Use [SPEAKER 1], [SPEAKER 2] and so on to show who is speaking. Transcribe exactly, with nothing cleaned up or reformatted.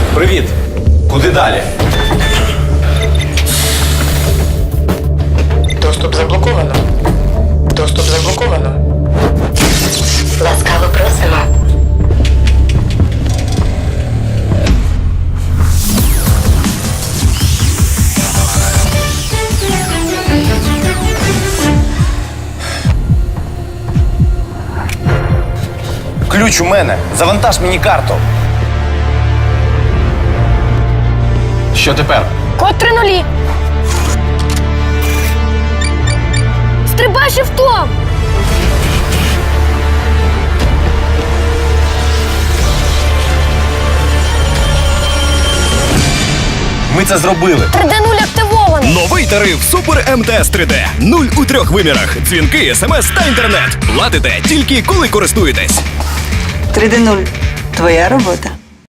[SPEAKER 1] Привіт. Куди далі?
[SPEAKER 2] Доступ заблоковано. Доступ заблоковано.
[SPEAKER 3] Ласкаво просимо.
[SPEAKER 1] Ключ у мене. Завантаж мені карту. Що тепер?
[SPEAKER 4] Код три нулі. Стрибай шифтом!
[SPEAKER 1] Ми це зробили.
[SPEAKER 4] три Д нуль активовано.
[SPEAKER 5] Новий тариф Супер Ем Те Ес три Де. Нуль у трьох вимірах. Дзвінки, смс та інтернет. Платите тільки коли користуєтесь.
[SPEAKER 6] три Де нуль. Твоя робота.